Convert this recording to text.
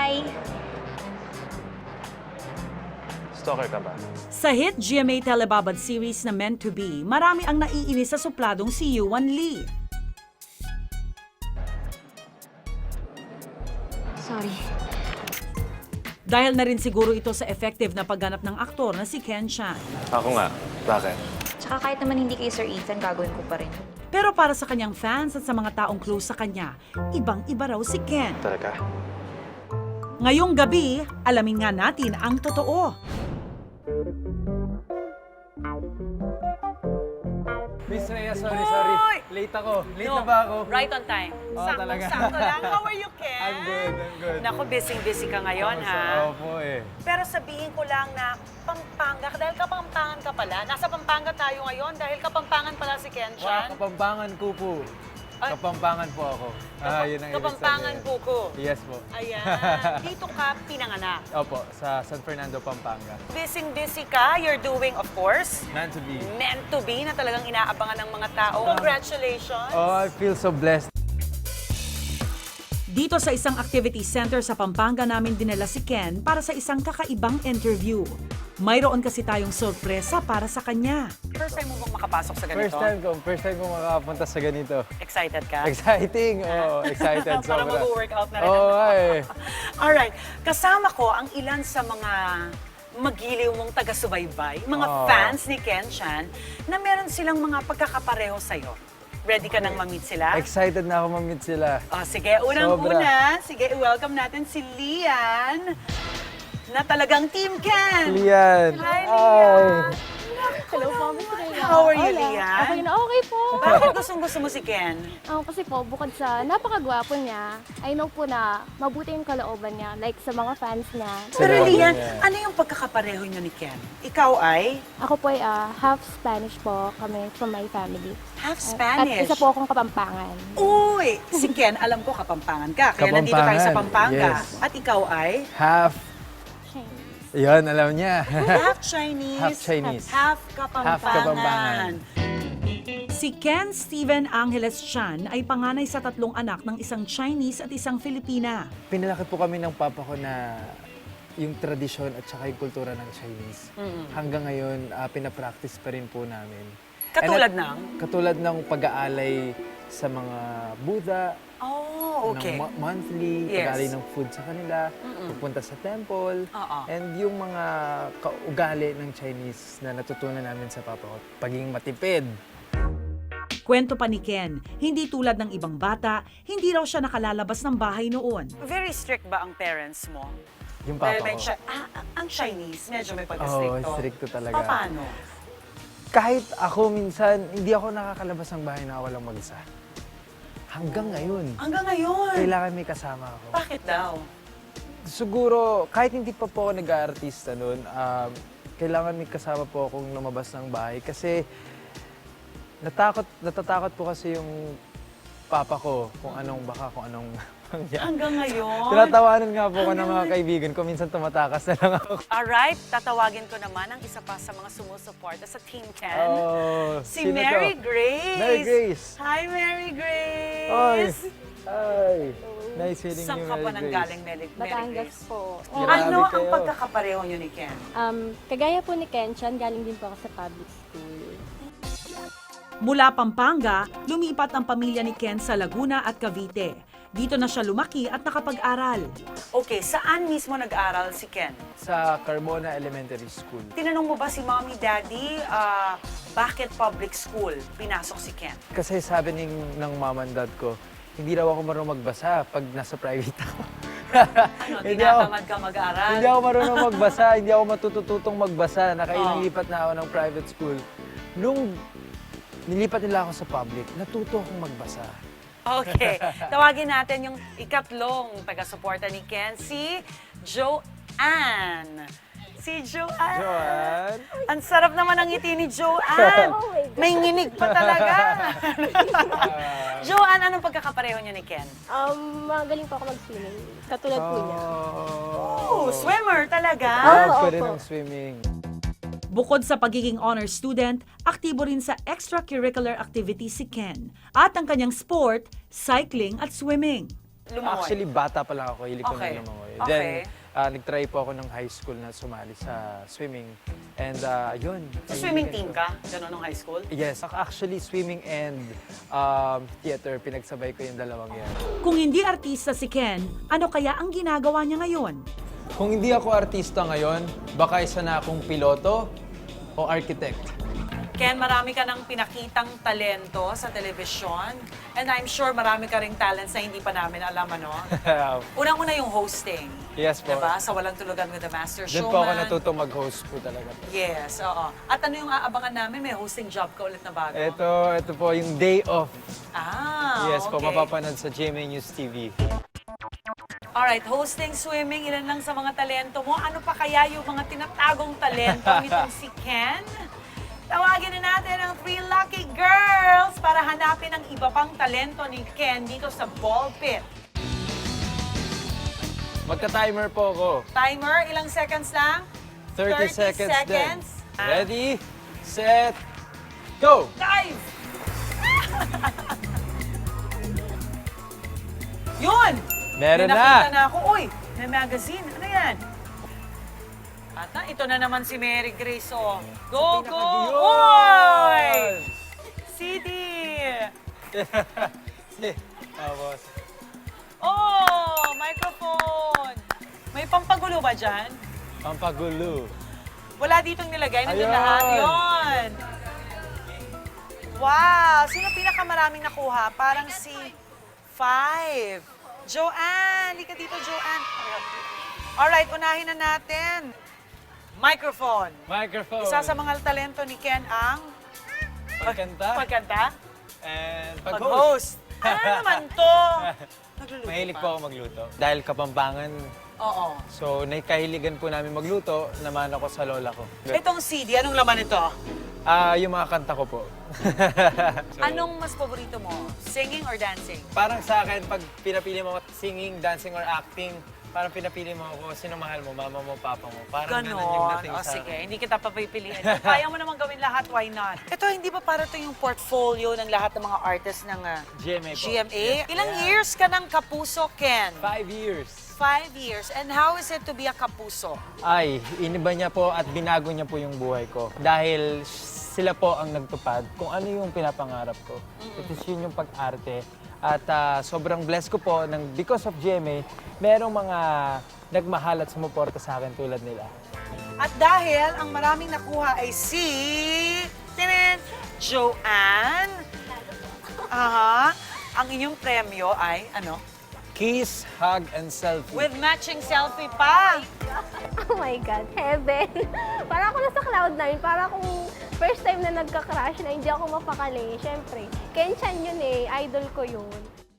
Hi! Stalker ka ba? Sa hit GMA Telebabad series na Meant to Be, marami ang naiinis sa supladong si Yuan Lee. Sorry. Dahil na rin siguro ito sa effective na pagganap ng aktor na si Ken Chan. Ako nga. Bakit? Tsaka kahit naman hindi kay Sir Ethan, gagawin ko pa rin. Pero para sa kanyang fans at sa mga taong close sa kanya, ibang-iba raw si Ken. Talaga? Ngayong gabi, alamin nga natin ang totoo. Miss Rhea, sorry. Late ako. Late na ba ako? Right on time. Oo, talaga. Sakto lang. How are you, Ken? I'm good. Naku, busy ka ngayon, ha? Opo eh. Pero sabihin ko lang na Pampanga, dahil Kapampangan ka pala. Nasa Pampanga tayo ngayon dahil Kapampangan pala si Ken Wow, Chan. Kapampangan ko po. Ay. Kapampangan po ako. Yun ang ibig Kapampangan sabihin. Buko. Yes po. Ayan. Dito ka pinanganak. Opo, sa San Fernando, Pampanga. Busy ka. You're doing, of course, Meant to be. Meant to Be na talagang inaabangan ng mga tao. Congratulations. Oh, I feel so blessed. Dito sa isang activity center sa Pampanga namin dinala si Ken para sa isang kakaibang interview. Mayroon kasi tayong sorpresa para sa kanya. First time mo bang makapasok sa ganito? First time ko makapunta sa ganito. Excited ka? Exciting! Oh, excited. Para sobra. mag-workout na rin. Oo, ay. Alright, kasama ko ang ilan sa mga magiliw mong taga-subaybay, mga Oh. fans ni Ken Chan, na meron silang mga pagkakapareho sa'yo. Ready ka nang ma-meet sila? Excited na ako ma-meet sila. Oh, sige, unang-una, sige, i-welcome natin si Lian, na talagang Team Ken. Lian! Hi, Ay. Lian! Hello po, Miss Rhea. How are you, Hola. Lian? Okay na okay po. Bakit gustong-gusto mo si Ken? Kasi po, bukod sa napakagwapo niya, I know po na mabuti yung kalooban niya, like sa mga fans niya. Pero Salamat, Lian, Lian. ano yung pagkakapareho niyo ni Ken? Ikaw ay Ako po ay half Spanish po kami from my family. half At Spanish. isa po akong Kapampangan. Uy! Si Ken, alam ko Kapampangan ka. Kaya nandito tayo sa Pampanga. Yes. At ikaw ay Half. Chinese. Yun, alam niya. half Chinese, Half Chinese. half Kapampangan. Half Kapampangan. Si Ken Steven Angeles Chan ay panganay sa tatlong anak ng isang Chinese at isang Filipina. Pinalaki po kami ng papa ko na yung tradisyon at saka yung kultura ng Chinese. Hanggang ngayon, pinapractice pa rin po namin. Katulad And Katulad ng pag-aalay sa mga Buddha, Oh, okay. ng monthly, Yes. pag-aalay ng food sa kanila, pupunta sa temple, Oo. and yung mga kaugali ng Chinese na natutunan namin sa papa ko, pagiging matipid. Kwento pa ni Ken, hindi tulad ng ibang bata, hindi raw siya nakalalabas ng bahay noon. Very strict ba ang parents mo? Yung Dahil papa may ko. ang Chinese, medyo may Oo, pagka-stricto. stricto talaga. Paano? Kahit ako minsan, hindi ako nakakalabas ng bahay na walang mag-isa. Hanggang ngayon, Hanggang ngayon. kailangan may kasama ako. Bakit daw? Siguro, kahit hindi pa po ako nag-aartista noon, kailangan may kasama po akong lumabas ng bahay kasi natatakot po kasi yung papa ko kung anong mangyari. Hanggang ngayon? Tinatawanan nga po ko ng mga kaibigan ko, minsan tumatakas na lang ako. Alright, tatawagin ko naman ang isa pa sa mga sumusuporta sa Team Ken. Oh, Si sino to? Mary Grace. Mary Grace. Hi, Mary Ay, Grace. ay. Nice feeling Saan you, ka Mary pa Grace. nanggaling, Mary Batangas Grace? po. Grabe Ano ang kayo. pagkakapareho niyo ni Ken? Kagaya po ni Ken Chan, galing din po ako sa public school. Mula Pampanga, lumipat ang pamilya ni Ken sa Laguna at Cavite. Dito na siya lumaki at nakapag-aral. Okay, saan mismo nag-aral si Ken? Sa Carmona Elementary School. Tinanong mo ba si Mommy, Daddy, bakit public school pinasok si Ken? Kasi sabi ng mama and dad ko, hindi raw ako marunong magbasa pag nasa private ako. Ano, Hindi ako- tinatamad ka mag-aral? Hindi ako marunong magbasa, hindi ako matutututong magbasa. Nakailang Oh. lipat na ako ng private school. Nung nilipat nila ako sa public, natuto akong magbasa. Okay, tawagin natin yung ikatlong taga-suporta ni Ken, si Joanne. Si Joanne. Joanne? Ang sarap naman ang ngiti ni Joanne. Oh my God. May nginig pa talaga. Joanne, anong pagkakapareho niyo ni Ken? Magaling po ako mag-swimming. Katulad po niya. Oh, swimmer talaga. Love ko Oo, rin opo. ng swimming. Bukod sa pagiging honor student, aktibo rin sa extracurricular activities si Ken. At ang kanyang sport, cycling at swimming. Lumangoy. Actually, bata pa lang ako, hilig ko Okay. na lumangoy. Okay. Then, nag-try po ako ng high school na sumali sa swimming. And yun. So, swimming team ka? Ganun nung high school? Yes, actually swimming and theater, pinagsabay ko yung dalawang yan. Kung hindi artista si Ken, ano kaya ang ginagawa niya ngayon? Kung hindi ako artista ngayon, baka isa na akong piloto o architect. Ken, marami ka ng pinakitang talento sa telebisyon. And I'm sure marami ka ring talents na hindi pa namin alam, ano? Unang-una yung hosting. Yes po. Diba? Sa Walang Tulugan with the Master Doon Showman. po ako natuto mag-host po talaga. Yes, oo. At ano yung aabangan namin? May hosting job ka ulit na bago. Ito po yung day off. Ah, Yes po, okay. mapapanood sa GMA News TV. Alright, hosting, swimming, ilan lang sa mga talento mo. Ano pa kaya yung mga tinatagong talento nitong si Ken? Tawagin na natin ang 3 lucky girls para hanapin ang iba pang talento ni Ken dito sa ball pit. Magka-timer po ako. Timer, ilang seconds lang? 30 seconds din. seconds. Ready, set, go! Dive! Yun! Meron May nakita na. na ako. Uy, may magazine. Ano yan? At ito na naman si Mary Grace. Oh. Go, go! Uy! CD! Tapos, Oh, microphone! May pampagulo ba dyan? pampagulo. Wala ditong nilagay. Nandun Ayun. lahat. Yun! Wow! Sino pinakamaraming nakuha? Parang si 5. Joanne! Lika dito, Joanne. Alright, unahin na natin. Microphone. Microphone. Isa sa mga talento ni Ken ang Pagkanta. pagkanta, And pag-host. pag-host. Ano naman to? Nagluluto Mahilig pa. po ako magluto. Dahil Kapampangan, Oo. so nakahiligan po namin magluto, naman ako sa lola ko. Itong CD, anong laman ito? Yung mga kanta ko po. So, Anong mas paborito mo? Singing or dancing? Parang sa akin, pag pinapili mo singing, dancing, or acting, parang pinapili mo ako, sino mahal mo, mama mo, papa mo. Parang ganun yung Ganon. dating O sa sige, akin. hindi kita papipiliin. Kung kaya mo naman gawin lahat, why not? Ito, hindi ba para ito yung portfolio ng lahat ng mga artists ng GMA po. GMA? Yes. Ilang Yeah. years ka ng Kapuso, Ken? 5 years. 5 years. And how is it to be a Kapuso? Ay, iniba niya po at binago niya po yung buhay ko. Dahil sila po ang nagtupad kung ano yung pinapangarap ko. It is yun yung pag-arte. At sobrang blessed ko po ng because of GMA, merong mga nagmahal at sumuporta sa akin tulad nila. At dahil ang maraming nakuha ay si... Tinin! Joanne. Aha. Ang inyong premyo ay ano? Kiss, hug, and selfie. With matching selfie pa. Oh my God, heaven. Para ako nasa cloud9, para akong first time na nagka-crush na hindi ako mapakali. Siyempre, Ken Chan yun eh, idol ko yun.